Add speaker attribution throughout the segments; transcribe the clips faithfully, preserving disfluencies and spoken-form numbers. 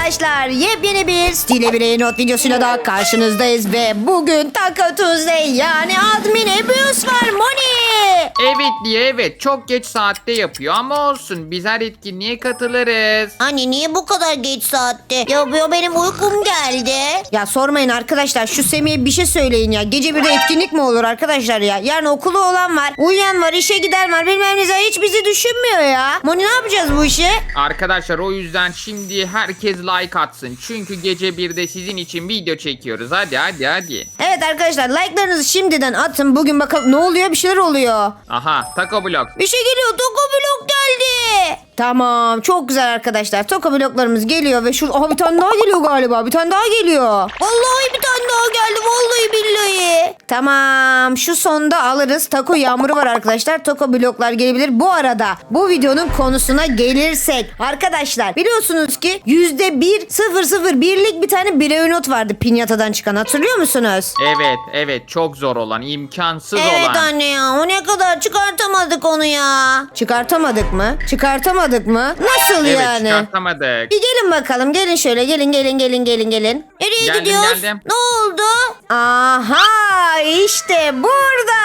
Speaker 1: arkadaşlar, yepyeni bir Stile Birey Not videosuyla da karşınızdayız ve bugün Taco Tuesday yani Admin Abuse var Moni.
Speaker 2: Evet diye evet çok geç saatte yapıyor ama olsun biz her etkinliğe katılırız.
Speaker 3: Anne niye bu kadar geç saatte? Ya, ya benim uykum geldi.
Speaker 1: Ya sormayın arkadaşlar, şu Semih'e bir şey söyleyin ya. Gece bir de etkinlik mi olur arkadaşlar ya? Yarın okulu olan var, uyuyan var, işe giden var, bilmem ne, hiç bizi düşünmüyor ya. Moni ne yapacağız bu işi?
Speaker 2: Arkadaşlar o yüzden şimdi herkes like atsın. Çünkü gece birde sizin için video çekiyoruz. Hadi hadi hadi.
Speaker 1: Evet arkadaşlar, like'larınızı şimdiden atın. Bugün bakalım ne oluyor, bir şeyler oluyor.
Speaker 2: Aha Taco Blok.
Speaker 1: Bir şey geliyor, Toko Blok geldi. Tamam, çok güzel arkadaşlar. Toko bloklarımız geliyor ve şurada aha, bir tane daha geliyor galiba. Bir tane daha geliyor.
Speaker 3: Vallahi bir tane daha geldi. Vallahi billahi.
Speaker 1: Tamam, şu sonda alırız. Taco yağmuru var arkadaşlar. Toko bloklar gelebilir. Bu arada bu videonun konusuna gelirsek arkadaşlar, biliyorsunuz ki yüzde bir sıfır sıfır birlik bir tane birey not vardı pinyatadan çıkan, hatırlıyor musunuz?
Speaker 2: Evet evet çok zor olan, imkansız
Speaker 3: Evet
Speaker 2: olan.
Speaker 3: anne ya. O ne kadar çıkartamadık onu ya.
Speaker 1: Çıkartamadık mı? Çıkartamadık mı? Nasıl
Speaker 2: Evet
Speaker 1: yani?
Speaker 2: çıkartamadık.
Speaker 1: Bir gelin bakalım, gelin şöyle, gelin gelin gelin gelin gelin.
Speaker 3: Nereye
Speaker 2: Geldim,
Speaker 3: gidiyoruz?
Speaker 2: geldim.
Speaker 3: Ne oldu?
Speaker 1: Aha, işte burada.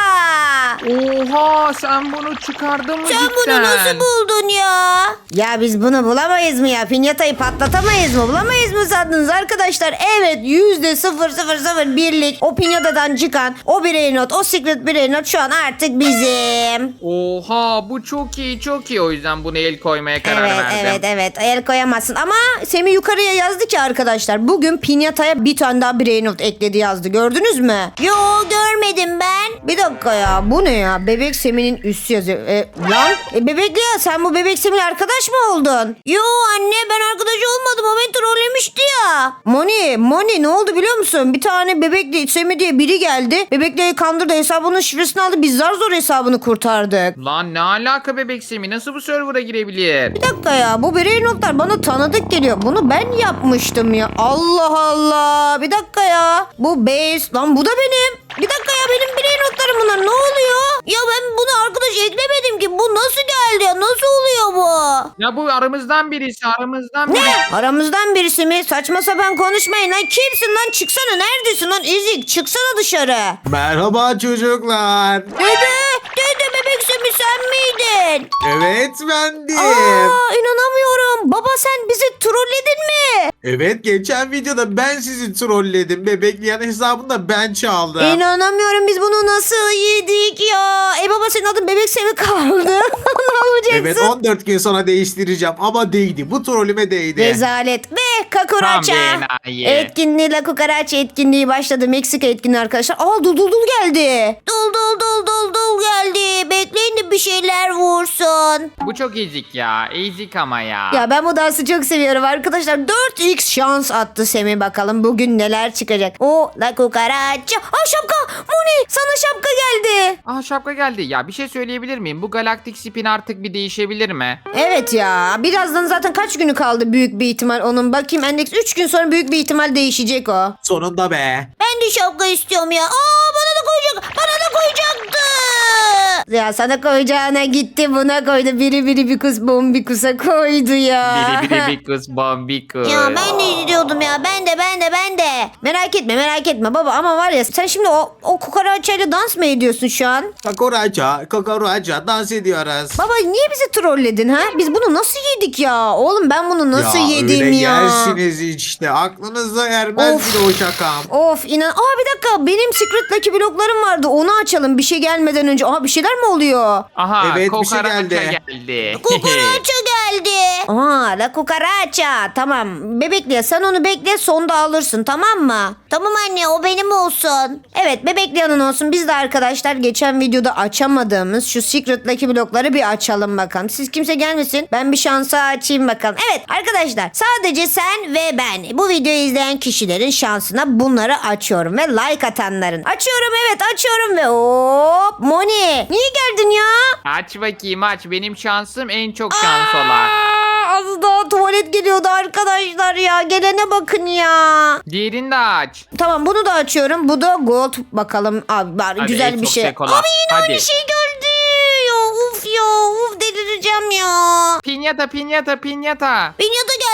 Speaker 2: Oha sen bunu çıkardın mı
Speaker 3: Sen
Speaker 2: cidden?
Speaker 3: bunu nasıl buldun ya?
Speaker 1: Ya biz bunu bulamayız mı ya? Pinyatayı patlatamayız mı? Bulamayız mı sandınız arkadaşlar? Evet, yüzde sıfır sıfır sıfır birlik o pinyatadan çıkan o birey not, o secret birey not şu an artık bizim.
Speaker 2: Oha bu çok iyi çok iyi, o yüzden bunu el koymaya karar
Speaker 1: Evet
Speaker 2: verdim.
Speaker 1: evet evet, el koyamazsın ama Semih yukarıya yazdı ki arkadaşlar, bugün pinyataya bir tane daha birey not ekledi yazdı, gördünüz mü?
Speaker 3: Yo görmedim ben.
Speaker 1: Bir dakika ya, bu ne ya? Bebek Semih'in üssü yazıyor. E, lan e, bebekli ya, sen bu Bebek Semih'le arkadaş mı oldun?
Speaker 3: Yo anne ben arkadaş olmadım. O beni trollemişti ya.
Speaker 1: Moni, Moni ne oldu biliyor musun? Bir tane Bebekli Semih diye biri geldi. Bebekli'yi kandırdı, hesabının şifresini aldı. Biz zar zor hesabını kurtardık.
Speaker 2: Lan ne alaka bebek Semi, nasıl bu server'a girebilir?
Speaker 1: Bir dakika ya, bu birey notlar bana tanıdık geliyor. Bunu ben yapmıştım ya. Allah Allah. Bir dakika ya. Bu base. Lan bu da benim. Bir dakika ya, benim birey notlarım bunlar. Ne oluyor?
Speaker 3: Ya ben bunu arkadaş eklemedim ki. Bu nasıl geldi ya? Nasıl oluyor bu?
Speaker 2: Ya bu aramızdan birisi aramızdan biri.
Speaker 1: Ne? Aramızdan birisi mi? Saçma sapan konuşmayın lan. Kimsin lan? Çıksana, neredesin lan? Ezik, çıksana dışarı.
Speaker 4: Merhaba çocuklar.
Speaker 1: Dede, dede bebek Semih sen miydin?
Speaker 4: Evet bendim.
Speaker 1: Aa, inanamıyorum. Baba sen bizi trolledin mi?
Speaker 4: Evet geçen videoda ben sizi trolledim. Bebekleyen hesabını da ben çaldım.
Speaker 1: İnanamıyorum, biz bunu nasıl yedik ya? E baba, senin adın bebek Semih kaldı. Ne yapacaksın?
Speaker 4: Evet on dört gün sonra değiştireceğim ama değdi. Bu trollüme değdi.
Speaker 1: Rezalet. Ve
Speaker 2: Tam
Speaker 1: kakuraça.
Speaker 2: bir enayi.
Speaker 1: Etkinliği La Cucaracha etkinliği başladı. Meksika etkinliği arkadaşlar. Aa, dul dul dul geldi.
Speaker 3: Dul dul dul dul dul geldi. Bekleyin de bir şeyler vursun.
Speaker 2: Bu çok ezik ya. Ezik ama ya.
Speaker 1: Ya ben bu dansı çok seviyorum arkadaşlar. dört x şans attı Semih, bakalım bugün neler çıkacak. O La Cucaracha. Aa, şapka. Moni, sana şapka geldi.
Speaker 2: Aa şapka geldi. Ya bir şey söyleyebilir miyim? Bu galaktik spin artık bir değişebilir mi?
Speaker 1: Evet ya, birazdan zaten kaç günü kaldı büyük bir ihtimal onun. Bakayım, endeks üç gün sonra büyük bir ihtimal değişecek o.
Speaker 4: Sonunda be.
Speaker 3: Ben de şapka istiyorum ya. Aa bana da koyacak. Bana da koyacaktı.
Speaker 1: Ya sana koyacağına gitti buna koydu. Biri biri bir kus bombikusa koydu ya.
Speaker 2: Biri biri bir kız bombikus.
Speaker 3: Ya ben de istiyordum ya. Ben de ben de ben de.
Speaker 1: Merak etme merak etme baba, ama var ya, sen şimdi o, o kukaraçayla dans mı ediyorsun şu an?
Speaker 4: Kakuraca, kakuraca dans ediyoruz.
Speaker 1: Baba niye bizi trolledin ha? Biz bunu nasıl yedik ya? Oğlum ben bunu nasıl
Speaker 4: ya
Speaker 1: yedim
Speaker 4: öyle
Speaker 1: ya?
Speaker 4: yersiniz işte. Aklınıza ermez
Speaker 1: Of.
Speaker 4: bir de o şakam.
Speaker 1: Of inan. Aa bir dakika, benim Secret Lucky bloklarım vardı. Onu açalım bir şey gelmeden önce. Aa bir şeyler mi oluyor?
Speaker 2: Aha
Speaker 4: Evet, bir şey
Speaker 2: kokaraça
Speaker 4: geldi.
Speaker 2: geldi.
Speaker 3: Kukuraça geldi.
Speaker 1: Aa La Cucaracha. Tamam. Bebekliye sen onu bekle, sonda alırsın, tamam mı?
Speaker 3: Tamam anne o benim olsun.
Speaker 1: Evet, Bebekliyan'ın olsun. Biz de arkadaşlar geçen videoda açamadığımız şu Secret Lucky blokları bir açalım bakalım. Siz kimse gelmesin. Ben bir şansa açayım bakalım. Evet arkadaşlar, sadece sen ve ben, bu videoyu izleyen kişilerin şansına bunları açıyorum ve like atanların. Açıyorum, evet açıyorum ve hop Moni. Niye geldin ya?
Speaker 2: Aç bakayım aç. Benim şansım en çok şans olan.
Speaker 1: Aa, az daha tuvalet geliyordu arkadaşlar ya. Gelene bakın ya.
Speaker 2: Diğerini de aç.
Speaker 1: Tamam, bunu da açıyorum. Bu da gold. Bakalım abi, bari
Speaker 2: Hadi,
Speaker 1: güzel
Speaker 2: en
Speaker 1: bir
Speaker 2: çok
Speaker 1: şey.
Speaker 2: sekola.
Speaker 1: Abi yine
Speaker 2: Hadi.
Speaker 1: aynı şey geldi. Ya uf ya uf, delireceğim ya.
Speaker 2: Pinyata pinyata pinyata.
Speaker 3: Pinyata geldi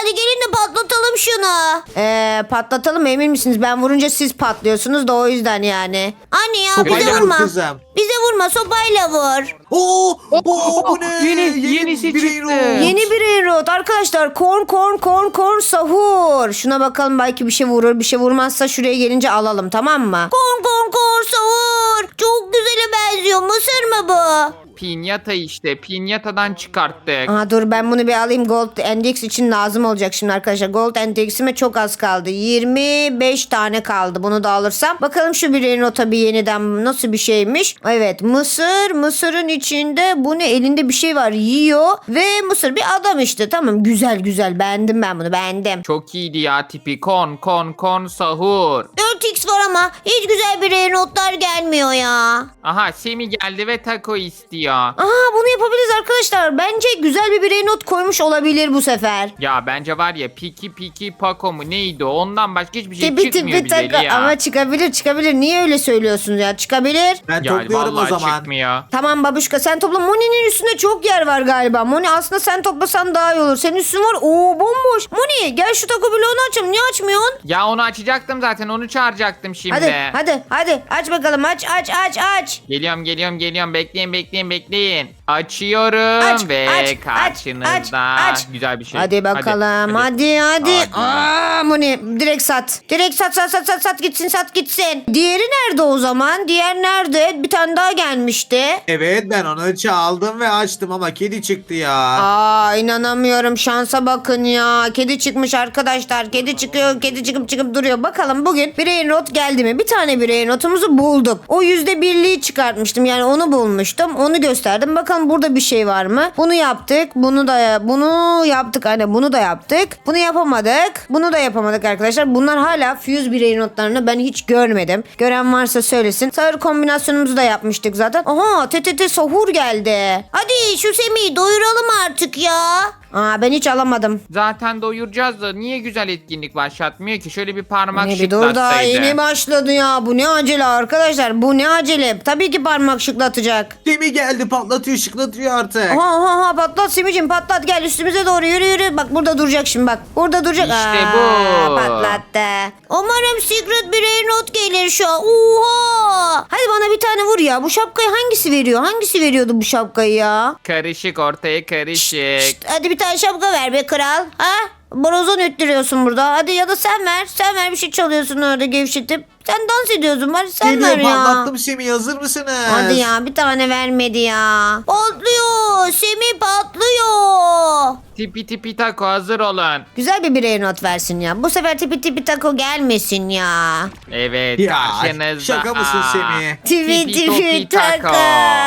Speaker 3: Hadi gelin de patlatalım şunu.
Speaker 1: Ee, patlatalım emin misiniz? Ben vurunca siz patlıyorsunuz da o yüzden yani.
Speaker 3: Anne ya
Speaker 4: Sopayla
Speaker 3: bize
Speaker 4: vur
Speaker 3: vurma.
Speaker 4: kızım.
Speaker 3: Bize vurma sopayla vur.
Speaker 4: Oo, oo, bu ne?
Speaker 2: Yeni- yenisi
Speaker 4: bir
Speaker 2: çıktı.
Speaker 4: euro.
Speaker 1: Yeni bir Enrot arkadaşlar. Korn korn korn korn sahur. Şuna bakalım belki bir şey vurur. Bir şey vurmazsa şuraya gelince alalım, tamam mı?
Speaker 3: Korn korn korn savur. Çok güzele benziyor. Mısır mı bu?
Speaker 2: Pinyata işte. Pinyatadan çıkarttık.
Speaker 1: Aa, dur ben bunu bir alayım. Gold Index için lazım olacak şimdi arkadaşlar. Gold Index'ime çok az kaldı. yirmi beş tane kaldı. Bunu da alırsam. Bakalım şu bir Enrot'a bir yeniden nasıl bir şeymiş. Evet, mısır. Mısırın içinde bu ne? Elinde bir şey var. Yiyor. Ve mısır bir adam işte. Tamam, güzel güzel. Beğendim ben bunu. Beğendim.
Speaker 2: Çok iyiydi ya tipi. Kon kon kon sahur.
Speaker 3: dört x var ama hiç güzel bir notlar gelmiyor ya.
Speaker 2: Aha Semi geldi ve taco istiyor.
Speaker 1: Aha, bunu yapabiliriz arkadaşlar. Bence güzel bir birey not koymuş olabilir bu sefer.
Speaker 2: Ya bence var ya Piki Piki Paco mu neydi o? Ondan başka hiçbir şey
Speaker 1: Tipi
Speaker 2: çıkmıyor
Speaker 1: tipi
Speaker 2: güzeli
Speaker 1: taka.
Speaker 2: ya.
Speaker 1: Ama çıkabilir çıkabilir. Niye öyle söylüyorsunuz ya? Çıkabilir.
Speaker 4: Ben
Speaker 2: Ya
Speaker 4: topluyorum o
Speaker 2: vallahi
Speaker 4: zaman.
Speaker 2: çıkmıyor.
Speaker 1: Tamam babuşka, sen topla. Moni'nin üstünde çok yer var galiba. Moni aslında sen toplasan daha iyi olur. Senin üstün var. Oo, bomboş. Moni gel şu taco bloğunu açalım. Niye açmıyorsun?
Speaker 2: Ya onu açacaktım zaten onu çağıracaktım şimdi.
Speaker 1: Hadi hadi hadi aç bakalım, aç aç aç aç.
Speaker 2: Geliyorum geliyorum geliyorum bekleyin bekleyin bekleyin. Açıyorum
Speaker 1: Aç,
Speaker 2: ve
Speaker 1: aç, aç,
Speaker 2: karşınızda
Speaker 1: aç, aç.
Speaker 2: güzel bir şey.
Speaker 1: Hadi bakalım. Hadi hadi.
Speaker 2: Hadi.
Speaker 1: Aa, Moni direkt sat. Direkt sat sat sat sat sat gitsin sat gitsin. Diğeri nerede o zaman? Diğer nerede? Bir tane daha gelmişti.
Speaker 4: Evet, ben onu çaldım ve açtım ama kedi çıktı ya.
Speaker 1: Aa, inanamıyorum, şansa bakın ya. Kedi çıkmış arkadaşlar. Kedi çıkıyor, kedi çıkıp çıkıp duruyor. Bakalım bugün birey not geldi mi? Bir tane birey notumuzu bulduk. O yüzde birliği çıkartmıştım. Yani onu bulmuştum. Onu gösterdim. Bakalım burada bir şey var mı? Bunu yaptık. Bunu da bunu yaptık. Hani bunu da yaptık. Bunu yapamadık. Bunu da yapamadık arkadaşlar. Bunlar hala Fuse birey notlarını ben hiç görmedim. Gören varsa söylesin. Sahur kombinasyonumuzu da yapmıştık zaten. Aha, T T T sahur geldi.
Speaker 3: Hadi şu Semih'i doyuralım artık ya.
Speaker 1: Aa, ben hiç alamadım.
Speaker 2: Zaten doyuracağız da niye güzel etkinlik başlatmıyor ki? Şöyle bir parmak
Speaker 1: Ne bir dur daha
Speaker 2: şıklatsaydı.
Speaker 1: yeni başladı ya. Bu ne acele arkadaşlar. Bu ne acele. Tabii ki parmak şıklatacak.
Speaker 4: Gemi geldi, patlatıyor, şıklatıyor artık.
Speaker 1: Aha aha aha, patlat Simicim patlat, gel üstümüze doğru yürü yürü. Bak burada duracak şimdi bak. Burada duracak.
Speaker 2: İşte
Speaker 1: Aa,
Speaker 2: bu.
Speaker 1: Patlattı.
Speaker 3: Umarım secret birey not gelir şu an. Oha.
Speaker 1: Hadi bana bir tane vur ya. Bu şapkayı hangisi veriyor? Hangisi veriyordu bu şapkayı ya?
Speaker 2: Karışık ortaya karışık.
Speaker 1: Şşt, hadi bir tane şapka ver be kral. Ha? Borazan öttürüyorsun burada. Hadi ya da sen ver. Sen ver, bir şey çalıyorsun orada gevşetip. Sen dans ediyorsun. Bari sen
Speaker 4: Geliyor,
Speaker 1: ver ya.
Speaker 4: patlattım Semih, hazır mısınız?
Speaker 1: Hadi ya, bir tane vermedi ya.
Speaker 3: Patlıyor. Semih patlıyor.
Speaker 2: Tipi tipi taco hazır olun.
Speaker 1: Güzel bir birey not versin ya. Bu sefer tipi tipi taco gelmesin ya.
Speaker 2: Evet
Speaker 4: Ya
Speaker 2: karşınızda.
Speaker 4: şaka mısın
Speaker 2: Aa.
Speaker 4: Semih?
Speaker 1: Tipi
Speaker 2: Tipi
Speaker 1: tipi
Speaker 2: topi
Speaker 1: taco.
Speaker 2: taco.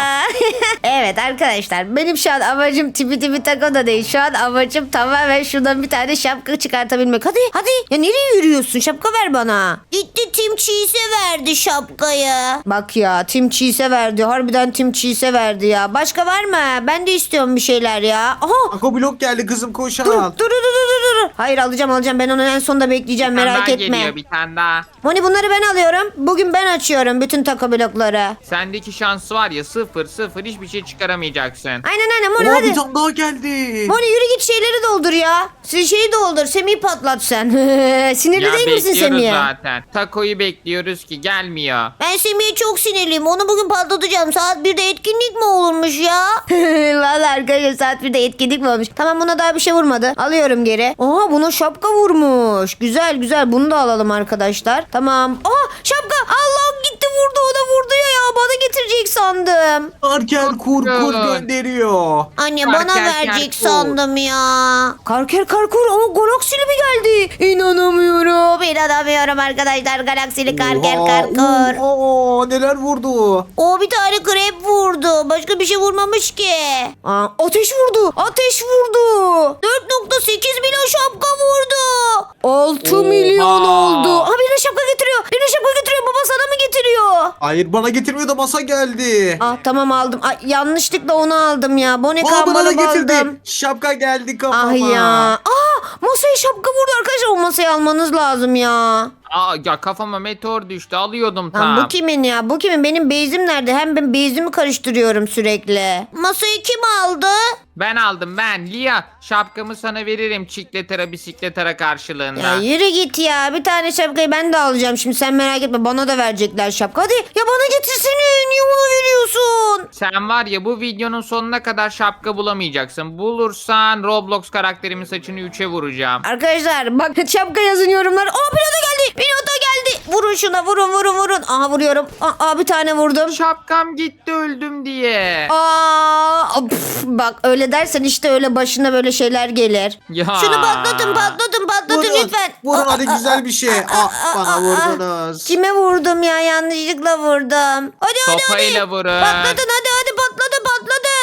Speaker 1: Evet arkadaşlar, benim şu an amacım tipi tipi taco da değil. Şu an amacım tamamen şuradan bir tane şapka çıkartabilmek. Hadi hadi. Ya nereye yürüyorsun? Şapka ver bana.
Speaker 3: Gitti Tim Cheese'e verdi şapkayı.
Speaker 1: Bak ya, Tim Cheese'e verdi. Harbiden Tim Cheese'e verdi ya. Başka var mı? Ben de istiyorum bir şeyler ya. Aha.
Speaker 4: Ako blok geldi kızım, koş
Speaker 1: Dur,
Speaker 4: al.
Speaker 1: dur, dur, dur, dur, dur. Hayır, alacağım, alacağım. Ben onu en sonunda bekleyeceğim.
Speaker 2: Bir tane
Speaker 1: Merak
Speaker 2: daha
Speaker 1: etme.
Speaker 2: geliyor bir tane daha.
Speaker 1: Moni, bunları ben alıyorum. Bugün ben açıyorum bütün taco blokları.
Speaker 2: Sendeki şansı var ya sıfır sıfır hiçbir şey çıkaramayacaksın.
Speaker 1: Aynen aynen Moni,
Speaker 4: Oo,
Speaker 1: hadi.
Speaker 4: bir tane daha geldi.
Speaker 1: Moni yürü git, şeyleri doldur ya. Siz şeyi doldur. Semih'i patlat sen. Sinirli
Speaker 2: Ya
Speaker 1: değil misin
Speaker 2: bekliyoruz
Speaker 1: Semih'e?
Speaker 2: zaten. Takoyu bekliyoruz ki gelmiyor.
Speaker 3: Ben Semih'e çok sinirliyim. Onu bugün patlatacağım. Saat birde etkinlik mi olurmuş ya?
Speaker 1: Valla arkadaşlar, saat birde etkinlik mi olmuş? Tamam, buna daha bir şey vurmadı. Alıyorum geri. Oha, buna şapka vurmuş. Güzel güzel, bunu da alalım arkadaşlar. Tamam. Aa, şapka. Allah'ım, gitti vurdu, ona vurdu ya ya. Bana getirecek sandım.
Speaker 4: Arkel kur kur
Speaker 2: güzel.
Speaker 4: gönderiyor.
Speaker 3: Anne
Speaker 2: Karker
Speaker 3: bana
Speaker 2: kerkur.
Speaker 3: verecek sandım ya.
Speaker 1: Karker karkur. Aa, galaksili mi geldi? İnanamıyorum. İnanamıyorum arkadaşlar. Galaksili karker
Speaker 4: Oha,
Speaker 1: karkur.
Speaker 4: oha, neler vurdu.
Speaker 3: O bir tane krep vurdu. Başka bir şey vurmamış ki.
Speaker 1: Aa, ateş vurdu. Ateş vurdu.
Speaker 3: dört nokta sekiz milyon şapka vurdu.
Speaker 1: altı
Speaker 2: Oha.
Speaker 1: milyon oldu. Ha, birine şapka getiriyor. Birine şapka getiriyor. Baba sana mı getiriyor?
Speaker 4: Hayır, bana getirmiyor da masa geldi.
Speaker 1: Ah, tamam aldım. Ay, yanlışlıkla onu aldım ya. Bone
Speaker 4: Aa, bana da
Speaker 1: kambalı
Speaker 4: getirdi.
Speaker 1: aldım.
Speaker 4: Şapka geldi kafama.
Speaker 1: Ah ya. Aa, masaya şapka vurdu arkadaşlar. O masayı almanız lazım ya.
Speaker 2: Aa ya kafama meteor düştü alıyordum
Speaker 1: Lan
Speaker 2: tam.
Speaker 1: bu kimin ya? Bu kimin? Benim bezim nerede? Hem ben bezimi karıştırıyorum sürekli.
Speaker 3: Masayı kim aldı?
Speaker 2: Ben aldım ben. Lia şapkamı sana veririm çikletara bisikletara karşılığında.
Speaker 1: Ya yürü git ya. Bir tane şapkayı ben de alacağım şimdi. Sen merak etme. Bana da verecekler şapka. Hadi ya bana getirsene. Niye ona veriyorsun?
Speaker 2: Sen var ya bu videonun sonuna kadar şapka bulamayacaksın. Bulursan Roblox karakterimin saçını üçe vuracağım.
Speaker 1: Arkadaşlar bak şapka yazın yorumlar. Aa pilota geldi. Pilota geldi. Vurun şuna vurun vurun vurun. Aha vuruyorum. Aa, aa, bir tane vurdum.
Speaker 2: Şapkam gitti öldüm diye.
Speaker 1: Aa, pf, bak öyle dersen işte öyle başına böyle şeyler gelir.
Speaker 2: Ya.
Speaker 3: Şunu patlatın patlatın patlatın
Speaker 4: Vurun.
Speaker 3: lütfen.
Speaker 4: Vurun
Speaker 3: Aa,
Speaker 4: hadi
Speaker 3: aa,
Speaker 4: güzel bir şey. Ah bana vurdunuz.
Speaker 1: Kime vurdum ya? Yanlışlıkla vurdum.
Speaker 3: Hadi hadi
Speaker 2: Sopayla
Speaker 3: hadi.
Speaker 2: vurun.
Speaker 3: Patlatın hadi hadi patladı patladı.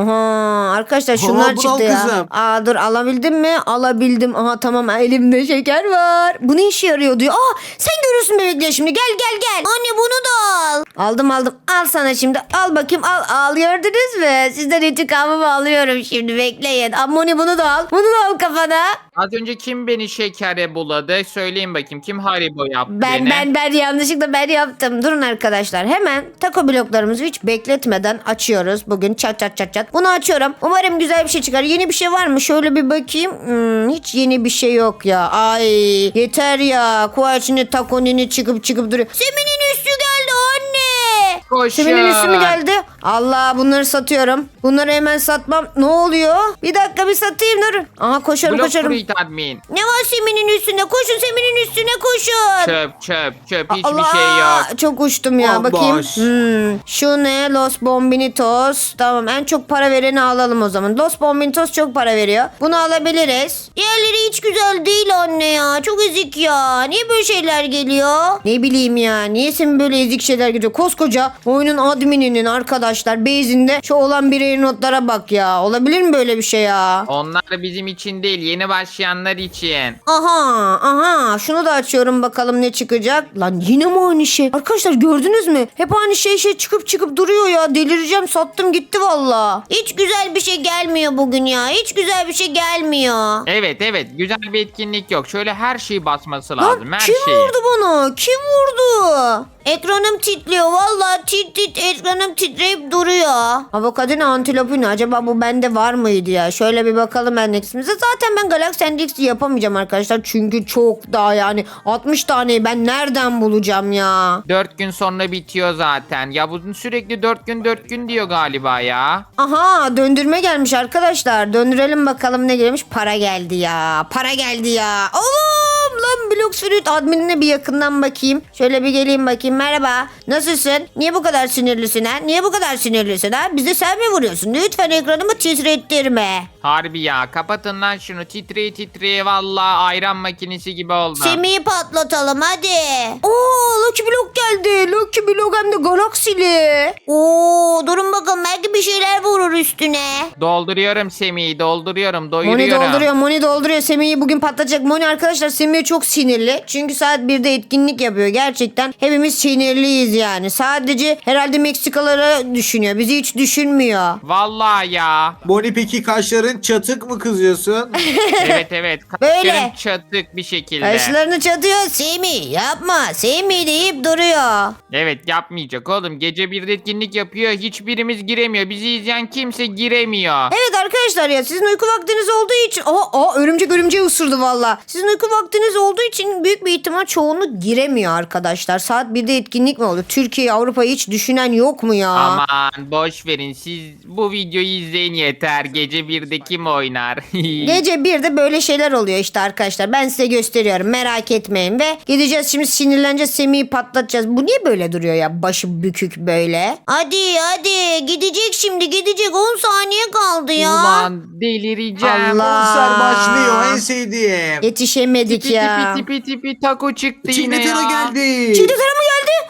Speaker 1: Aha arkadaşlar şunlar
Speaker 4: bunu
Speaker 1: çıktı
Speaker 4: al
Speaker 1: ya.
Speaker 4: kızım.
Speaker 1: Aa dur alabildim mi? Alabildim. Aha tamam elimde şeker var. Bu ne işe yarıyor diyor. Aa sen görürsün bebekler şimdi. Gel gel gel.
Speaker 3: Anne bunu da al.
Speaker 1: Aldım aldım. Al sana şimdi. Al bakayım al. Al gördünüz mü? Sizden intikamımı alıyorum şimdi. Bekleyin. Ammoni bunu da al. Bunu da al kafana.
Speaker 2: Az önce kim beni şekere buladı? Söyleyin bakayım kim Haribo yaptı
Speaker 1: Ben
Speaker 2: beni?
Speaker 1: ben ben yanlışlıkla ben yaptım. Durun arkadaşlar. Hemen taco bloklarımızı hiç bekletmeden açıyoruz. Bugün çat çat çat çat. Bunu açıyorum. Umarım güzel bir şey çıkar. Yeni bir şey var mı? Şöyle bir bakayım. Hmm, hiç yeni bir şey yok ya. Ay yeter ya. Kuvaçini takonini çıkıp çıkıp duruyor.
Speaker 3: Seminin üstü geldi anne.
Speaker 2: Koşun.
Speaker 1: Seminin üstü mü geldi? Allah bunları satıyorum. Bunları hemen satmam. Ne oluyor? Bir dakika bir satayım dur. Aha koşarım
Speaker 2: Blok
Speaker 1: koşarım.
Speaker 2: fruit admin.
Speaker 3: Ne var Seminin üstünde? Koşun Seminin üstüne koşun.
Speaker 2: Çöp çöp çöp hiçbir
Speaker 1: Allah,
Speaker 2: şey yok.
Speaker 1: çok uçtum ya.
Speaker 4: Bomboş.
Speaker 1: Bakayım. Hmm. Şu ne? Los Bombinitos. Tamam en çok para vereni alalım o zaman. Los Bombinitos çok para veriyor. Bunu alabiliriz.
Speaker 3: Diğerleri hiç güzel değil anne ya. Çok ezik ya. Niye böyle şeyler geliyor?
Speaker 1: Ne bileyim ya. Niye sen böyle ezik şeyler gidiyor? Koskoca oyunun admininin arkadaşlar base'inde şu olan birey notlara bak ya. Olabilir mi böyle bir şey ya?
Speaker 2: Onlar bizim için değil yeni başlayanlar için.
Speaker 1: Aha aha şunu da açıyorum bakalım ne çıkacak. Lan yine mi aynı şey? Arkadaşlar gördünüz mü? Hep aynı şey şey çıkıp çıkıp duruyor ya. Delireceğim sattım gitti valla.
Speaker 3: Hiç güzel bir şey gelmiyor bugün ya. Hiç güzel bir şey gelmiyor.
Speaker 2: Evet evet güzel bir etkinlik yok. Şöyle her şeyi basması lazım.
Speaker 1: Lan
Speaker 2: Her
Speaker 1: kim
Speaker 2: şeyi.
Speaker 1: vurdu bana? Kim vurdu?
Speaker 3: Ekranım titriyor. Vallahi tit tit ekranım titreyip duruyor.
Speaker 1: Avokadino antilopino acaba bu bende var mıydı ya? Şöyle bir bakalım endeksimize. Zaten ben Galaxy Endex'i yapamayacağım arkadaşlar. Çünkü çok daha yani altmış taneyi ben nereden bulacağım ya?
Speaker 2: Dört gün sonra bitiyor zaten. Ya bu sürekli dört gün dört gün diyor galiba ya.
Speaker 1: Aha döndürme gelmiş arkadaşlar. Döndürelim bakalım ne gelmiş. Para geldi ya. Para geldi ya. Oğlum lan Blox Fruit adminine bir yakından bakayım. Şöyle bir geleyim bakayım. Merhaba. Nasılsın? Niye bu kadar sinirlisin ha? Niye bu kadar sinirlisin ha? Bize sen mi vuruyorsun? Lütfen ekranımı titrettirme.
Speaker 2: Harbi ya kapatın lan şunu titreye titreye valla ayran makinesi gibi oldu.
Speaker 3: Semih'i patlatalım hadi.
Speaker 1: Oo Lucky Block geldi. Lucky Block hem de galaksili.
Speaker 3: Oo durun bakalım belki bir şeyler vurur üstüne.
Speaker 2: Dolduruyorum Semih'i dolduruyorum
Speaker 1: Moni
Speaker 2: doyuruyorum.
Speaker 1: dolduruyor, Moni dolduruyor. Semih'i bugün patlatacak. Moni arkadaşlar Semih çok sinirli. Çünkü saat birde etkinlik yapıyor. Gerçekten hepimiz sinirliyiz yani. Sadece herhalde Meksikalara düşünüyor. Bizi hiç düşünmüyor.
Speaker 2: Vallahi ya.
Speaker 4: Moni peki kaşların çatık mı kızıyorsun?
Speaker 2: Evet evet.
Speaker 1: Böyle.
Speaker 2: Kaşlarım çatık bir şekilde.
Speaker 1: Kaşlarını çatıyor.
Speaker 3: Semih yapma Semih deyip duruyor.
Speaker 2: Evet yapmayacak oğlum. Gece bir etkinlik yapıyor. Hiçbirimiz giremiyor. Bizi izleyen kimse giremiyor.
Speaker 1: Evet arkadaşlar ya sizin uyku vaktiniz olduğu için... Aa, aa örümcek örümceği ısırdı valla. Sizin uyku vaktiniz olduğu için büyük bir ihtimal çoğunluk giremiyor arkadaşlar. Saat birde etkinlik mi oldu? Türkiye, Avrupa'yı hiç düşünen yok mu ya?
Speaker 2: Aman boş verin. Siz bu videoyu izleyin yeter. Gece birde kim oynar?
Speaker 1: Gece birde böyle şeyler oluyor işte arkadaşlar. Ben size gösteriyorum. Merak etmeyin. Ve gideceğiz şimdi sinirleneceğiz. Semih'i patlatacağız. Bu niye böyle duruyor ya? Başı bükük böyle.
Speaker 3: Hadi hadi gidecek şimdi gidecek on saniye kaldı ya.
Speaker 2: Ulan delireceğim.
Speaker 1: Allah.
Speaker 4: Konser başlıyor en sevdiğim.
Speaker 1: Yetişemedik
Speaker 2: Tipi
Speaker 1: ya.
Speaker 2: tipi tipi tipi taco çıktı yine
Speaker 4: Çikletara
Speaker 2: ya.
Speaker 4: geldi.
Speaker 1: Çiğdem mı geldi?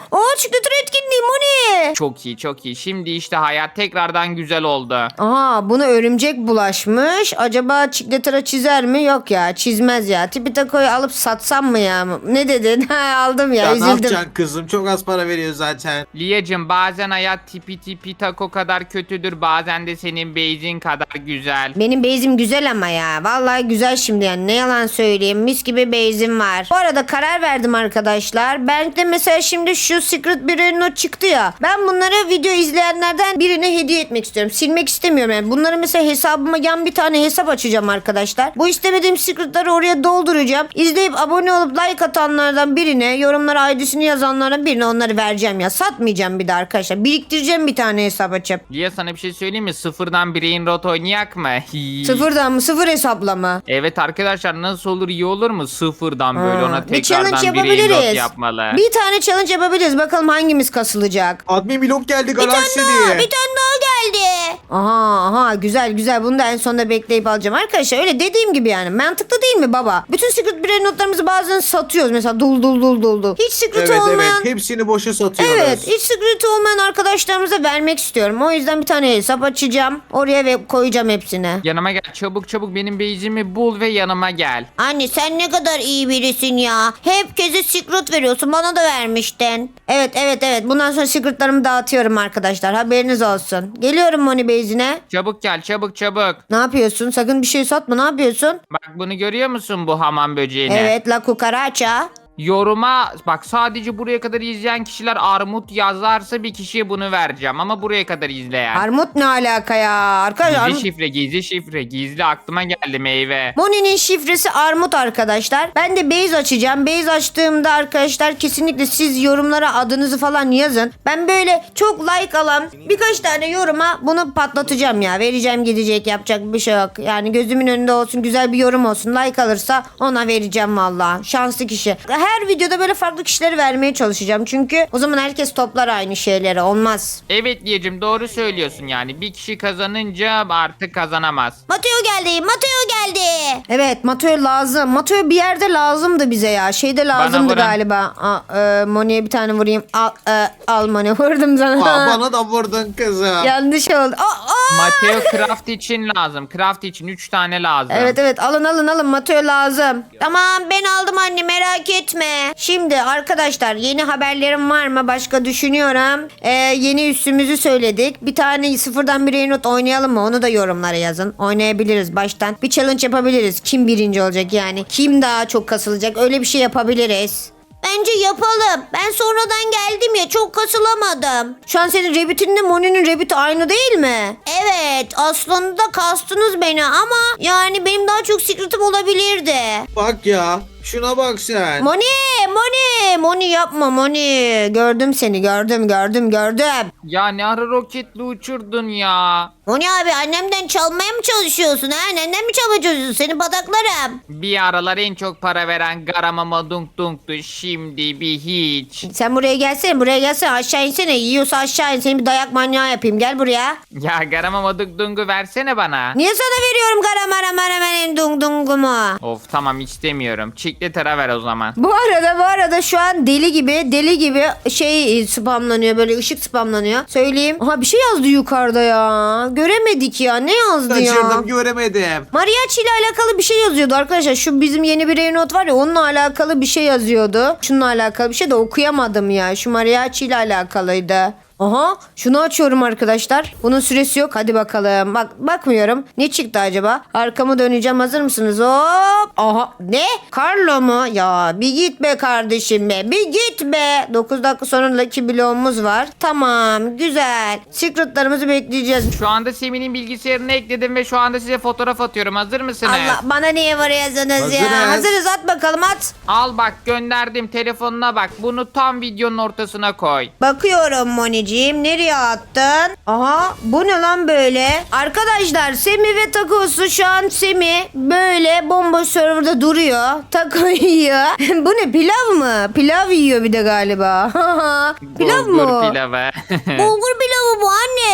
Speaker 1: Aa çikolata etkinliği Moni.
Speaker 2: Çok iyi çok iyi. Şimdi işte hayat tekrardan güzel oldu.
Speaker 1: Aha buna örümcek bulaşmış. Acaba çikolata çizer mi? Yok ya çizmez ya. Tipi takoyu alıp satsam mı ya? Ne dedin? Ha, aldım ya,
Speaker 4: Ya ne
Speaker 1: üzüldüm.
Speaker 4: yapacaksın kızım? Çok az para veriyor zaten.
Speaker 2: Liyacım bazen hayat tipi tipi tako kadar kötüdür. Bazen de senin beyzin kadar güzel.
Speaker 1: Benim beyzim güzel ama ya. Vallahi güzel şimdi yani. Ne yalan söyleyeyim. Mis gibi beyzim var. Bu arada karar verdim arkadaşlar. Ben de mesela şimdi şu Secret bir not çıktı ya. Ben bunları video izleyenlerden birine hediye etmek istiyorum. Silmek istemiyorum yani. Bunları mesela hesabıma yan bir tane hesap açacağım arkadaşlar. Bu istemediğim secretları oraya dolduracağım. İzleyip abone olup like atanlardan birine, yorumlara I D'sini yazanlardan birine onları vereceğim ya. Satmayacağım bir de arkadaşlar. Biriktireceğim bir tane hesap açıp.
Speaker 2: Liya sana bir şey söyleyeyim mi? Sıfırdan Brain Rot oynayak mı?
Speaker 1: Sıfırdan mı? Sıfır hesapla mı?
Speaker 2: Evet arkadaşlar nasıl olur iyi olur mu? Sıfırdan böyle
Speaker 1: Ha,
Speaker 2: ona
Speaker 1: bir challenge
Speaker 2: tekrardan Brain Rot
Speaker 1: yapabiliriz.
Speaker 2: yapmalı.
Speaker 1: Bir tane challenge yapabiliriz. Bakalım hangimiz kasılacak.
Speaker 4: Admin blok geldi
Speaker 3: Bir tane
Speaker 4: Galaxy
Speaker 3: daha,
Speaker 4: diye.
Speaker 3: bir tane daha geldi.
Speaker 1: Aha aha güzel güzel. Bunu da en sonunda bekleyip alacağım. Arkadaşlar öyle dediğim gibi yani. Mantıklı değil mi baba? Bütün secret birey notlarımızı bazen satıyoruz. Mesela dul dul dul dul dul. Hiç secret
Speaker 4: Evet
Speaker 1: olmayan...
Speaker 4: evet hepsini boşa satıyoruz.
Speaker 1: Evet, hiç secret olmayan arkadaşlarımıza vermek istiyorum. O yüzden bir tane hesap açacağım. Oraya ve koyacağım hepsini.
Speaker 2: Yanıma gel çabuk çabuk benim beyzimi bul ve yanıma gel.
Speaker 3: Anne sen ne kadar iyi birisin ya. Hep keze secret veriyorsun. Bana da vermiştin.
Speaker 1: Evet, evet, evet. Bundan sonra secretlarımı dağıtıyorum arkadaşlar. Haberiniz olsun. Geliyorum Moni Beyzi'ne.
Speaker 2: Çabuk gel çabuk çabuk.
Speaker 1: Ne yapıyorsun? Sakın bir şey satma. Ne yapıyorsun?
Speaker 2: Bak bunu görüyor musun bu hamam böceğini?
Speaker 1: Evet, La Cucaracha.
Speaker 2: Yoruma bak sadece buraya kadar izleyen kişiler armut yazarsa bir kişiye bunu vereceğim ama buraya kadar izleyen.
Speaker 1: Armut ne alaka ya? Arkadaşlar
Speaker 2: Gizli şifre gizli şifre gizli aklıma geldi meyve.
Speaker 1: Moni'nin şifresi armut arkadaşlar. Ben de base açacağım. Base açtığımda arkadaşlar kesinlikle siz yorumlara adınızı falan yazın. Ben böyle çok like alan birkaç tane yoruma bunu patlatacağım ya. Vereceğim gidecek, yapacak bir şey yok. Yani gözümün önünde olsun, güzel bir yorum olsun. Like alırsa ona vereceğim valla. Şanslı kişi. Her videoda böyle farklı kişileri vermeye çalışacağım. Çünkü o zaman herkes toplar aynı şeyleri. Olmaz.
Speaker 2: Evet diyeceğim doğru söylüyorsun yani bir kişi kazanınca artık kazanamaz.
Speaker 3: Mateo geldi. Mateo geldi.
Speaker 1: Evet, Mateo lazım. Mateo bir yerde lazımdı bize ya. Şeyde lazımdı
Speaker 2: vurun.
Speaker 1: galiba. Aa, e, Moni'ye bir tane vurayım. Al, e, al Moni. Vurdum sana.
Speaker 4: Aa, bana da vurdun kızım.
Speaker 1: Yanlış oldu. Aa, aa!
Speaker 2: Mateo craft için lazım. Craft için üç tane lazım.
Speaker 1: Evet evet alın alın alın Mateo lazım.
Speaker 3: Tamam ben aldım anne merak etme.
Speaker 1: Şimdi arkadaşlar yeni haberlerim var mı? Başka düşünüyorum. Ee, yeni üstümüzü söyledik. Bir tane sıfırdan bir not oynayalım mı? Onu da yorumlara yazın. Oynayabiliriz baştan. Bir challenge yapabiliriz. Kim birinci olacak yani? Kim daha çok kasılacak? Öyle bir şey yapabiliriz.
Speaker 3: Bence yapalım. Ben sonradan geldim ya çok kasılamadım.
Speaker 1: Şu an senin Rabbit'inle Moni'nin Rabbit aynı değil mi?
Speaker 3: Evet aslında kastınız beni ama yani benim daha çok secretim olabilirdi.
Speaker 4: Bak ya şuna bak sen.
Speaker 1: Moni, Moni, Moni yapma Moni. Gördüm seni, gördüm, gördüm, gördüm.
Speaker 2: Ya ne ara roketli uçurdun ya.
Speaker 3: Moni abi annemden çalmaya mı çalışıyorsun ha? Annemden mi çalmaya çalışıyorsun? Seni bataklarım.
Speaker 2: Bir aralar en çok para veren garamama dunk dunktu şimdi bir hiç.
Speaker 1: Sen buraya gelsene, buraya gelsene. Aşağı insene. Yiyorsa aşağı in. Seni bir dayak manyağı yapayım. Gel buraya.
Speaker 2: Ya garamama dunk dungu versene bana.
Speaker 1: Niye sana veriyorum karamara maramenin dung dungumu?
Speaker 2: Of tamam istemiyorum. Çikletara ver o zaman.
Speaker 1: Bu arada bu arada şu an deli gibi deli gibi şey spamlanıyor, böyle ışık spamlanıyor. Söyleyeyim. Aha bir şey yazdı yukarıda ya. Göremedik ya. Ne yazdı ya?
Speaker 4: Kaçırdım göremedim.
Speaker 1: Mariachi ile alakalı bir şey yazıyordu arkadaşlar. Şu bizim yeni bir Reynot var ya, onunla alakalı bir şey yazıyordu. Şununla alakalı bir şey de okuyamadım ya. Şu Mariachi ile alakalıydı. Aha şunu açıyorum arkadaşlar. Bunun süresi yok. Hadi bakalım. Bak bakmıyorum. Ne çıktı acaba? Arkamı döneceğim. Hazır mısınız? Hop. Aha. Ne? Carlo mu? Ya bir git be kardeşim be. Bir git be. dokuz dakika sonra Lucky bloğumuz var. Tamam. Güzel. Secretlarımızı bekleyeceğiz.
Speaker 2: Şu anda Semih'in bilgisayarını ekledim ve şu anda size fotoğraf atıyorum. Hazır mısınız?
Speaker 1: Allah bana niye vuruyorsunuz ya?
Speaker 4: Hazırız.
Speaker 1: Hazırız, at bakalım at.
Speaker 2: Al bak gönderdim telefonuna bak. Bunu tam videonun ortasına koy.
Speaker 1: Bakıyorum Moni'ciğim. Nereye attın? Aha bu ne lan böyle? Arkadaşlar Semi ve Takosu şu an Semi böyle bomboş serverda duruyor. Tako yiyor. Bu ne, pilav mı? Pilav yiyor bir de galiba. Pilav
Speaker 2: Bulgur
Speaker 1: mı?
Speaker 2: pilavı.
Speaker 3: Bulgur pilavı bu anne.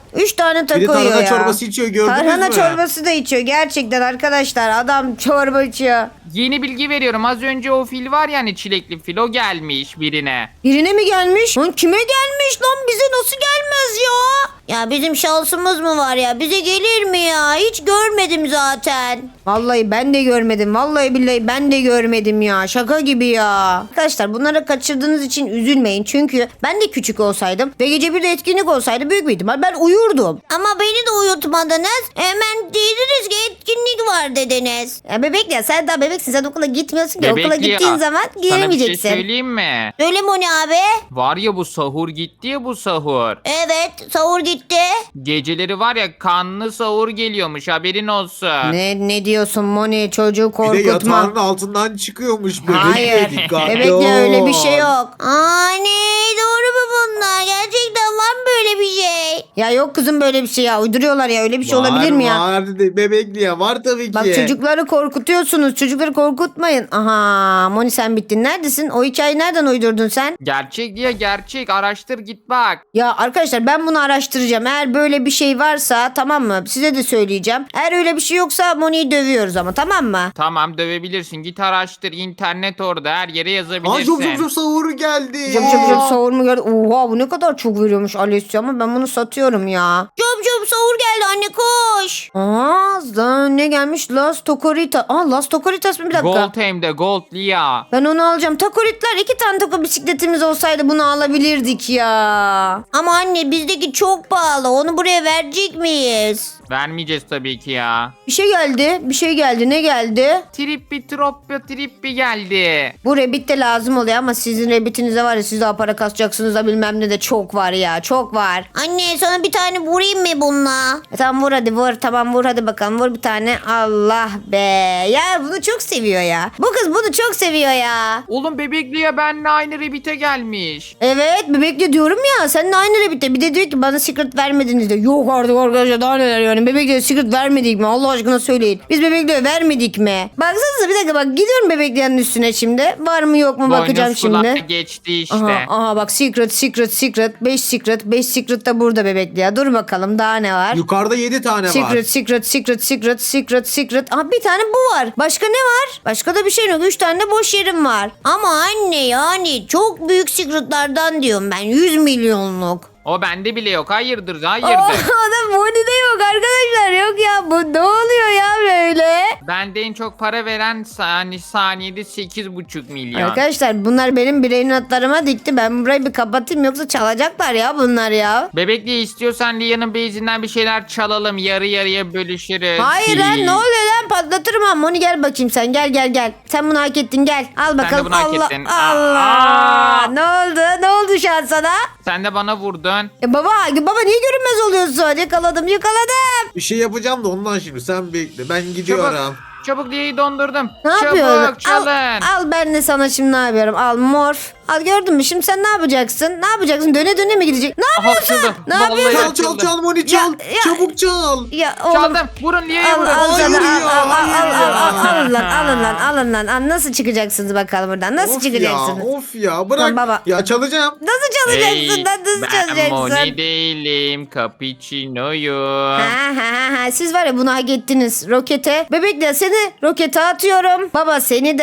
Speaker 1: Üç tane
Speaker 4: Bir de
Speaker 1: taco yiyor
Speaker 4: tarhana
Speaker 1: ya.
Speaker 4: çorbası içiyor, gördünüz
Speaker 1: Tarhana
Speaker 4: mü?
Speaker 1: çorbası da içiyor gerçekten arkadaşlar. Adam çorba içiyor.
Speaker 2: Yeni bilgi veriyorum. Az önce o fil var yani çilekli fil. O gelmiş birine.
Speaker 1: Birine mi gelmiş? Lan kime gelmiş lan? Bize nasıl gelmez ya?
Speaker 3: Ya bizim şansımız mı var ya? Bize gelir mi ya? Hiç görmedim zaten.
Speaker 1: Vallahi ben de görmedim. Vallahi billahi ben de görmedim ya. Şaka gibi ya. Arkadaşlar bunları kaçırdığınız için üzülmeyin. Çünkü ben de küçük olsaydım ve gece bir de etkinlik olsaydı büyük bir ihtimal ben uyurdum.
Speaker 3: Ama beni de uyutmadınız. Hemen dediniz ki etkinlik var dediniz.
Speaker 1: Ya bebek ya sen daha bebeksin. Sen okula gitmiyorsun ki. Okula
Speaker 2: Bebekli
Speaker 1: gittiğin
Speaker 2: ya.
Speaker 1: zaman
Speaker 2: Sana bir şey
Speaker 1: gelemeyeceksin.
Speaker 2: söyleyeyim mi?
Speaker 3: Söyle Moni abi.
Speaker 2: Var ya bu sahur gitti ya bu sahur.
Speaker 3: Evet sahur gitti.
Speaker 2: Geceleri var ya kanlı sahur geliyormuş haberin olsun.
Speaker 1: Ne ne diyorsun Moni? Çocuğu
Speaker 4: Bir de
Speaker 1: korkutma.
Speaker 4: yatağının altından çıkıyormuş bebek.
Speaker 1: Hayır.
Speaker 4: Dikkatli
Speaker 1: Bebekle öyle bir şey
Speaker 4: ol.
Speaker 1: yok.
Speaker 3: Anne doğru mu bunlar? Gerçekten var mı böyle bir şey?
Speaker 1: Ya yok kızım böyle bir şey ya. Uyduruyorlar ya. Öyle bir şey
Speaker 4: Var,
Speaker 1: olabilir mi ya?
Speaker 4: Var dedi bebekli ya, var tabii ki.
Speaker 1: Bak çocukları korkutuyorsunuz. Çocukları korkutmayın. Aha Moni sen bittin. Neredesin? O hikayeyi nereden uydurdun sen?
Speaker 2: Gerçek diye gerçek araştır git bak.
Speaker 1: Ya arkadaşlar ben bunu araştıracağım. Eğer böyle bir şey varsa tamam mı? Size de söyleyeceğim. Eğer öyle bir şey yoksa Moni'yi dövüyoruz ama tamam mı?
Speaker 2: Tamam dövebilirsin git araştır internet orada her yere
Speaker 4: Aa,
Speaker 2: yazabilirsin.
Speaker 4: çok çok çok sahuru geldi.
Speaker 1: Cıp cıp cıp savur mu geldi? Oha bu ne kadar çok veriyormuş Alessia ama ben bunu satıyorum ya.
Speaker 3: Çöp çöp sahur geldi anne koş.
Speaker 1: Aa da ne gelmiş? Las Tokorita. Aa Las Tokoritas mı bir dakika?
Speaker 2: Gold hem de gold Lia.
Speaker 1: Ben onu alacağım. Takoritler iki tane tako bisikletimiz olsaydı bunu alabilirdik ya.
Speaker 3: Ama anne bizdeki çok pahalı. Onu buraya verecek miyiz?
Speaker 2: Vermeyeceğiz tabii ki ya.
Speaker 1: Bir şey geldi. Bir şey geldi. Ne geldi?
Speaker 2: Trippi troppi trippi geldi.
Speaker 1: Bu Rabbit de lazım oluyor ama sizin Rabbit'inizde var ya siz daha para kasacaksınız da bilmem ne de çok var ya. Çok var.
Speaker 3: Anne sana bir tane vurayım mı bununla?
Speaker 1: E tamam vur hadi vur. Tamam vur hadi bakalım. Vur bir tane. Allah be. Ya bunu çok seviyor ya. Bu kız bunu çok seviyor ya.
Speaker 2: Oğlum bebekliye benle aynı Rabbit'e gelmiş.
Speaker 1: Evet bebekle diyorum ya. Seninle aynı Rabbit'te. Bir de diyor ki bana secret vermediniz de. Yok artık arkadaşlar daha neler yani. Bebekle secret vermedik mi? Allah aşkına söyleyin. Biz bebekle vermedik mi? Baksanıza bir dakika bak. Gidiyorum bebeklerin üstüne şimdi. Var mı yok mu bakacağım
Speaker 2: Boynuz kulağa
Speaker 1: şimdi.
Speaker 2: geçti işte.
Speaker 1: Aha, aha bak secret secret secret. beş secret. beş secret da burada bebekli ya. Dur bakalım daha ne var?
Speaker 4: Yukarıda yedi tane var.
Speaker 1: Secret, secret, secret, secret, secret, secret. Aha bir tane bu var. Başka ne var? Başka da bir şey yok. Üç tane de boş yerim var.
Speaker 3: Ama anne yani çok büyük secretlardan diyorum ben. yüz milyonluk.
Speaker 2: O bende bile yok. Hayırdır
Speaker 1: Oh,
Speaker 2: hayırdır.
Speaker 1: adam Moni'de yok arkadaşlar. Yok ya bu ne oluyor ya böyle?
Speaker 2: Bende en çok para veren sani saniyede sekiz buçuk milyon.
Speaker 1: Arkadaşlar bunlar benim birey notlarıma dikti. Ben burayı bir kapatayım yoksa çalacaklar ya bunlar ya.
Speaker 2: Bebekli istiyorsan Lia'nın base'inden bir şeyler çalalım. Yarı yarıya bölüşürüz.
Speaker 1: Hayır lan ne oluyor lan patlatırım ha. Moni gel bakayım sen gel gel gel. Sen bunu hak ettin gel. Al bakalım.
Speaker 2: bunu hak
Speaker 1: Allah
Speaker 2: ettin.
Speaker 1: Allah.
Speaker 2: Aa.
Speaker 1: Ne oldu? Ne oldu şu an sana?
Speaker 2: Sen de bana vurdun.
Speaker 1: E baba, baba niye görünmez oluyorsun? Yakaladım, yakaladım.
Speaker 4: Bir şey yapacağım da ondan şimdi sen bekle. Ben gidiyorum.
Speaker 2: Çabuk Lia'yı dondurdum.
Speaker 1: Ne
Speaker 2: Çabuk
Speaker 1: yapıyorsun?
Speaker 2: çalın.
Speaker 1: Al, al ben de sana şimdi ne yapıyorum? Al morf. Al gördün mü? Şimdi sen ne yapacaksın? Ne yapacaksın? Döne döne mi gidecek? Ne
Speaker 2: Aha,
Speaker 1: yapıyorsun?
Speaker 2: açıldı.
Speaker 1: Ne
Speaker 2: Vallahi
Speaker 1: yapıyorsun?
Speaker 4: Çal çal
Speaker 2: açıldı.
Speaker 4: çal Moni çal.
Speaker 1: Ya, ya.
Speaker 4: Çabuk çal.
Speaker 1: Ya oğlum.
Speaker 2: Çaldım. Vurun Lia'yı
Speaker 1: Al
Speaker 2: vurun.
Speaker 1: al
Speaker 4: Hayır
Speaker 1: sana al
Speaker 4: ya,
Speaker 1: al al
Speaker 4: hayır
Speaker 1: al al
Speaker 4: ya.
Speaker 1: al alın lan alın lan alın lan al nasıl çıkacaksınız bakalım buradan nasıl
Speaker 4: Of
Speaker 1: çıkacaksınız?
Speaker 4: ya, of ya bırak.
Speaker 1: Lan baba.
Speaker 4: Ya çalacağım.
Speaker 1: Nasıl çalacaksın lan nasıl
Speaker 2: ben
Speaker 1: çalacaksın?
Speaker 2: Moni değilim. Cappuccino'yum.
Speaker 1: Ha ha ha ha siz var ya bunu hak ettiniz rokete. Bebekle seni rokete atıyorum. Baba seni de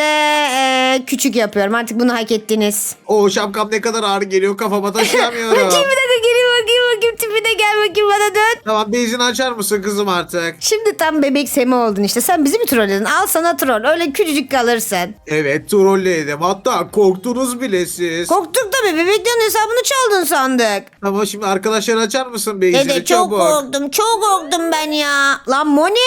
Speaker 1: e, küçük yapıyorum artık bunu hak ettiniz.
Speaker 4: O şapkam ne kadar ağır geliyor, kafama taşıyamıyorum.
Speaker 1: Bakayım bir dakika geleyim bakayım bakayım tipine gel bakayım bana dön.
Speaker 4: Tamam, bezini açar mısın kızım artık?
Speaker 1: Şimdi tam bebek Semi oldun işte. Sen bizi mi trolledin? Al sana troll. Öyle küçücük kalırsın.
Speaker 4: Evet, trolledim. Hatta korktunuz bile siz.
Speaker 1: Korktuk tabii. Bebeklerin hesabını çaldın sandık.
Speaker 4: Ama şimdi arkadaşlar açar mısın bezini?
Speaker 3: Dede çok
Speaker 4: Çabuk.
Speaker 3: korktum. Çok korktum ben ya.
Speaker 1: Lan Moni!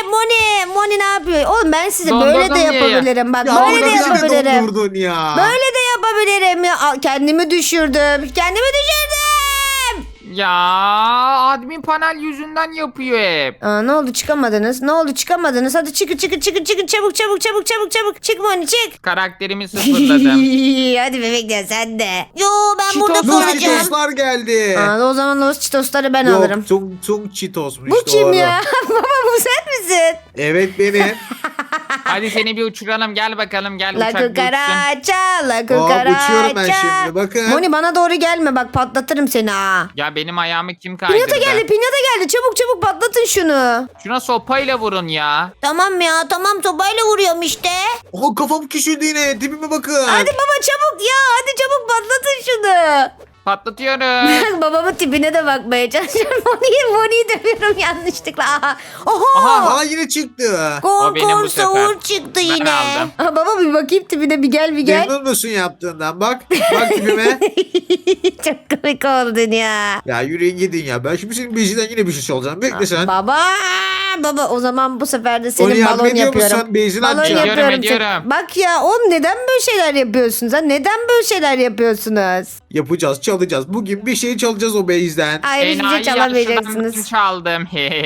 Speaker 1: Moni! Moni ne yapıyor? Oğlum ben size
Speaker 2: Dondurdum
Speaker 1: böyle de
Speaker 2: ya.
Speaker 1: yapabilirim. Bak
Speaker 4: Ya
Speaker 1: böyle
Speaker 4: orada
Speaker 1: de
Speaker 4: bizi de
Speaker 1: yapabilirim.
Speaker 4: dondurdun ya.
Speaker 1: Böyle de yapabilirim ya. Al, kendimi düşürdüm. Kendimi düşürdüm.
Speaker 2: Ya admin panel yüzünden yapıyor hep.
Speaker 1: Aa, ne oldu çıkamadınız? Ne oldu çıkamadınız? Hadi çıkın çıkın çıkın çıkın çabuk çabuk çabuk çabuk çabuk. Çık Moni çık.
Speaker 2: Karakterimi sıfırladım.
Speaker 1: Hadi bebekler sen de.
Speaker 3: Yo ben
Speaker 2: Cheetos-
Speaker 3: burada
Speaker 4: Los
Speaker 3: kalacağım.
Speaker 4: Cheetos'lar geldi.
Speaker 1: Aa, o zaman Los Cheetos'ları ben
Speaker 4: Yok,
Speaker 1: alırım.
Speaker 4: Tung Tung Cheetos'muş.
Speaker 1: Bu kim
Speaker 4: doğru.
Speaker 1: ya? Baba bu sen misin?
Speaker 4: Evet benim.
Speaker 2: Hadi seni bir uçuralım. Gel bakalım. Gel
Speaker 1: La
Speaker 2: uçak bir uçsun.
Speaker 1: kukaraça, la
Speaker 4: Hop, uçuyorum ben
Speaker 1: kukaraça.
Speaker 4: şimdi, bakın.
Speaker 1: Moni bana doğru gelme bak patlatırım seni ha.
Speaker 2: Ya benim ayağımı kim kaydırdı?
Speaker 1: Pinyata geldi pinyata geldi çabuk çabuk patlatın şunu.
Speaker 2: Şuna sopayla vurun ya.
Speaker 3: Tamam ya tamam sobayla vuruyorum işte.
Speaker 4: Oha, kafam küçüldü yine. Tipime bakın.
Speaker 1: Hadi baba çabuk ya hadi çabuk patlatın şunu.
Speaker 2: Patlatıyorum.
Speaker 1: Babamın tipine de bakmaya çalışıyorum. Moni'yi Moni'yi dövüyorum yanlışlıkla. Aha. Oha.
Speaker 2: Aha.
Speaker 4: Aa, yine çıktı.
Speaker 2: O benim
Speaker 3: Korkor
Speaker 2: bu sefer.
Speaker 3: savur çıktı
Speaker 2: Ben
Speaker 3: yine.
Speaker 2: aldım.
Speaker 1: Aha, baba bir bakayım tipine bir gel bir gel.
Speaker 4: Memnun musun yaptığından? Bak. Bak tipime.
Speaker 1: Çok komik oldun ya.
Speaker 4: Ya yürüyün gidin ya. Ben şimdi senin beziden yine bir şey çalacağım. Bekle sen.
Speaker 1: Baba baba o zaman bu sefer de senin
Speaker 4: Onu yardım
Speaker 1: balon
Speaker 4: ediyor
Speaker 1: yapıyorum.
Speaker 4: musun? Benzin
Speaker 1: balon
Speaker 4: atacağım.
Speaker 1: yapıyorum.
Speaker 2: Ediyorum,
Speaker 1: sen-
Speaker 2: ediyorum.
Speaker 1: Bak ya oğlum neden böyle şeyler yapıyorsunuz ha? Neden böyle şeyler yapıyorsunuz?
Speaker 4: Yapacağız, çalacağız. Bugün bir şey çalacağız o bezden.
Speaker 1: Hayır hiçbir şey
Speaker 2: Enayi
Speaker 1: çalamayacaksınız.
Speaker 2: yaşından çaldım.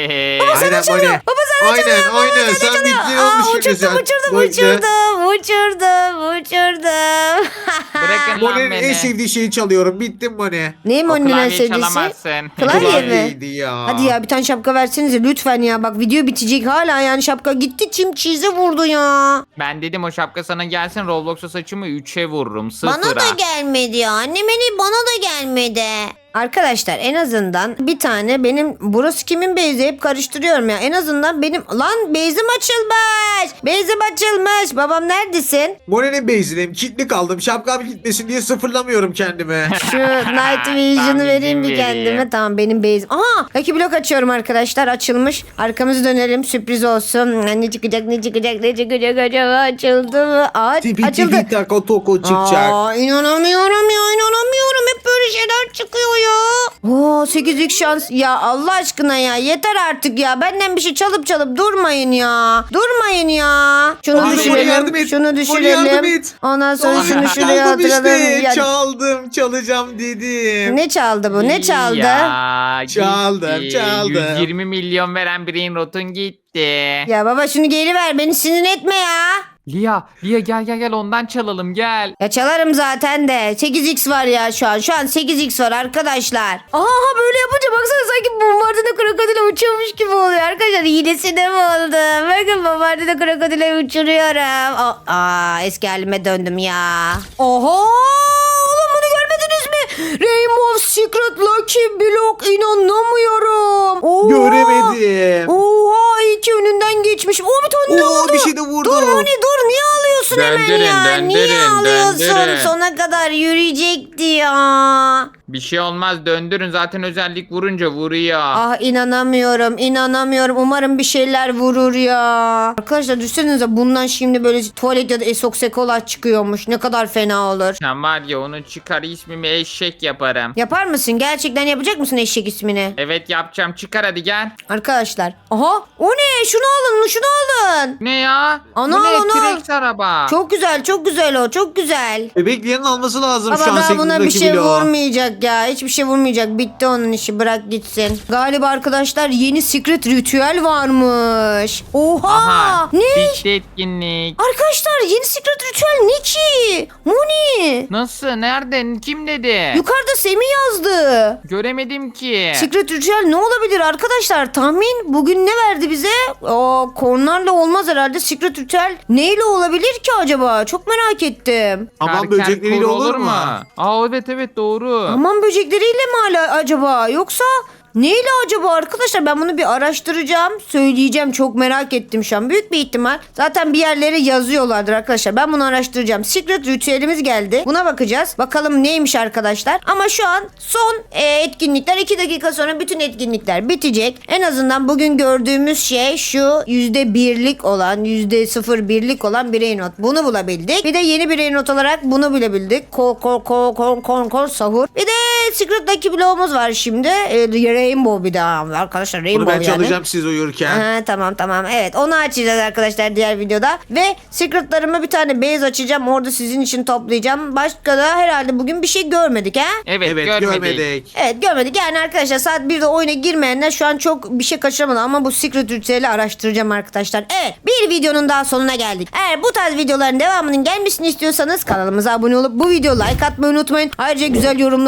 Speaker 4: Aynen
Speaker 1: çalıyor. Baba sana
Speaker 4: Aynen,
Speaker 1: çalıyor. Baba
Speaker 4: aynen.
Speaker 1: sana
Speaker 4: Sen
Speaker 1: çalıyor.
Speaker 4: bittin
Speaker 1: Aa,
Speaker 4: olmuş şimdi
Speaker 1: uçurdum,
Speaker 4: sen.
Speaker 1: uçurdum,
Speaker 4: Bekle.
Speaker 1: uçurdum, uçurdum, uçurdum.
Speaker 2: Bırakın lan
Speaker 4: Moni'nin en
Speaker 2: beni.
Speaker 4: sevdiği şeyi çalıyorum. Bittim Moni.
Speaker 1: Neyim
Speaker 2: O
Speaker 1: onun en
Speaker 2: klavyeyi
Speaker 1: sevdiğisi?
Speaker 2: çalamazsın.
Speaker 1: Klavye mi?
Speaker 4: Klavyeydi ya.
Speaker 1: Hadi ya bir tane şapka versenize lütfen ya. Bak video bitecek hala yani şapka gitti çim çize vurdu ya.
Speaker 2: Ben dedim o şapka sana gelsin, Roblox'a saçımı üçe vururum. Sıfıra.
Speaker 3: Bana da gelmedi ya. Annem beni bana da gelmedi.
Speaker 1: Arkadaşlar en azından bir tane benim burası kimin beyzi hep karıştırıyorum ya. En azından benim lan beyzim açılmış. Beyzim açılmış. Babam neredesin?
Speaker 4: Moni'nin bezindeyim. Kilitli kaldım. Şapkam gitmesin diye sıfırlamıyorum kendimi.
Speaker 1: Şu Night Vision'ı
Speaker 2: Ben
Speaker 1: vereyim bir
Speaker 2: izin
Speaker 1: kendime.
Speaker 2: vereyim.
Speaker 1: Tamam benim beyzim. Aha Lucky Block açıyorum arkadaşlar. Açılmış. Arkamızı dönelim. Sürpriz olsun. Ne çıkacak ne çıkacak ne çıkacak acaba açıldı mı? Aa,
Speaker 4: Tipi
Speaker 1: açıldı.
Speaker 4: tipi tako toko çıkacak.
Speaker 1: Aa, inanamıyorum ya inanamıyorum. Hep böyle şeyler çıkıyor ya. Oo sekiz x şans. Ya Allah aşkına ya yeter artık ya. Benden bir şey çalıp çalıp durmayın ya. Durmayın ya. Şunu
Speaker 4: Abi, Moni yardım
Speaker 1: düşürelim.
Speaker 4: et.
Speaker 1: Şunu
Speaker 4: Moni
Speaker 1: düşürelim.
Speaker 4: yardım et.
Speaker 1: Ondan sonra
Speaker 4: Aa,
Speaker 1: şunu şuraya
Speaker 4: çaldım
Speaker 1: atıralım.
Speaker 4: işte.
Speaker 1: Ya,
Speaker 4: Çaldım, çalacağım dedim.
Speaker 1: ne çaldı bu? Ne çaldı?
Speaker 2: Ya,
Speaker 4: Çaldım,
Speaker 2: gitti.
Speaker 4: çaldım.
Speaker 2: yüz yirmi milyon veren Brain Rot'un gitti.
Speaker 1: Ya baba şunu geri ver. Beni sinir etme ya.
Speaker 2: Lia, Lia gel gel gel ondan çalalım gel.
Speaker 1: Ya çalarım zaten de. sekiz x var ya şu an. Şu an sekiz x var arkadaşlar. Aha böyle yapınca baksana sanki bombardına krokodile uçuyormuş gibi oluyor. Arkadaşlar hilesine mi oldu? Bakın bombardına krokodile uçuruyorum. Aa, aa, eski halime döndüm ya. Oha! Oğlum bunu görmediniz mi? Rainbow Secret Lucky Block inanamıyorum. Oha!
Speaker 4: Göremedim.
Speaker 1: Oha iyi ki önünden geçmiş. O bir tane ne
Speaker 4: Oo,
Speaker 1: oldu?
Speaker 4: bir şey de vurdu.
Speaker 1: Dur Moni dur niye alıyorsun hemen
Speaker 2: Döndürün,
Speaker 1: ya? Niye
Speaker 2: döndürün,
Speaker 1: alıyorsun?
Speaker 2: döndürün.
Speaker 1: Sona kadar yürüyecekti ya.
Speaker 2: Bir şey olmaz, döndürün, zaten özellik vurunca vuruyor.
Speaker 1: Ah inanamıyorum inanamıyorum. Umarım bir şeyler vurur ya. Arkadaşlar düşünsenize bundan şimdi böyle tuvalet ya da esoksekola çıkıyormuş. Ne kadar fena olur.
Speaker 2: Sen var ya onu çıkar, ismimi eşek yaparım.
Speaker 1: Yapar mısın? Gerçekten yapacak mısın eşek ismini?
Speaker 2: Evet yapacağım, çıkar hadi gel.
Speaker 1: Arkadaşlar. Aha o ne? Şunu alın şunu alın.
Speaker 2: Ne ya?
Speaker 1: Ana,
Speaker 2: Bu ne?
Speaker 1: ana.
Speaker 2: T-Rex araba.
Speaker 1: Çok güzel çok güzel o çok güzel.
Speaker 4: Bebeklerin alması lazım şu
Speaker 1: Ama
Speaker 4: an
Speaker 1: daha buna bir
Speaker 4: sekizdeki
Speaker 1: şey
Speaker 4: bloğu.
Speaker 1: vurmayacak ya. Hiçbir şey vurmayacak. Bitti onun işi. Bırak gitsin. Galiba arkadaşlar yeni secret ritüel varmış. Oha.
Speaker 2: Aha.
Speaker 1: Ne?
Speaker 2: Bitti etkinlik.
Speaker 1: Arkadaşlar yeni secret ritüel ne ki? Moni.
Speaker 2: Nasıl? Nerede? Kim dedi?
Speaker 1: Yukarıda Semih yazdı.
Speaker 2: Göremedim ki.
Speaker 1: Secret ritüel ne olabilir arkadaşlar? Tahmin bugün ne verdi bize? Aa, kornarla olmaz herhalde. Secret ritüel neyle olabilir ki acaba? Çok merak ettim.
Speaker 4: Aman
Speaker 2: Karker
Speaker 4: böcekleriyle
Speaker 2: kuru
Speaker 4: olur mu?
Speaker 2: Aa evet evet doğru.
Speaker 1: Aman böcekleriyle mi hala acaba? Yoksa neyle acaba arkadaşlar? Ben bunu bir araştıracağım. Söyleyeceğim. Çok merak ettim şu an. Büyük bir ihtimal. Zaten bir yerlere yazıyorlardır arkadaşlar. Ben bunu araştıracağım. Secret ritüelimiz geldi. Buna bakacağız. Bakalım neymiş arkadaşlar. Ama şu an son e, etkinlikler. iki dakika sonra bütün etkinlikler bitecek. En azından bugün gördüğümüz şey şu yüzde birlik olan, yüzde sıfır birlik olan birey not. Bunu bulabildik. Bir de yeni birey not olarak bunu bilebildik. Kol kol kol kol kol kol sahur. Bir de Secret Lucky bloğumuz var şimdi. E, Rainbow bir daha arkadaşlar
Speaker 4: Bunu
Speaker 1: Rainbow
Speaker 4: ben
Speaker 1: yani.
Speaker 4: çalacağım siz uyurken.
Speaker 1: Ha, tamam tamam evet onu açacağız arkadaşlar diğer videoda ve secretlarıma bir tane base açacağım orada sizin için toplayacağım. Başka da herhalde bugün bir şey görmedik ha?
Speaker 2: Evet,
Speaker 4: Evet
Speaker 2: görmedik.
Speaker 4: görmedik.
Speaker 1: Evet görmedik yani arkadaşlar saat birde oyuna girmeyenler şu an çok bir şey kaçıramadı ama bu secret ritüeli araştıracağım arkadaşlar. Evet bir videonun daha sonuna geldik. Eğer bu tarz videoların devamının gelmesini istiyorsanız kanalımıza abone olup bu videoya like atmayı unutmayın. Ayrıca güzel yorumlarınızı da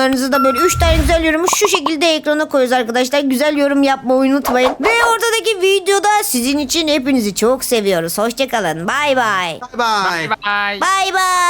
Speaker 1: böyle üç tane güzel yorumu şu şekilde ekrana koyuyoruz arkadaşlar. Güzel yorum yapmayı unutmayın. Ve ortadaki videoda sizin için hepinizi çok seviyoruz. Hoşçakalın. Bay bay.
Speaker 4: Bay bay.
Speaker 2: Bye bye.
Speaker 1: Bay bay.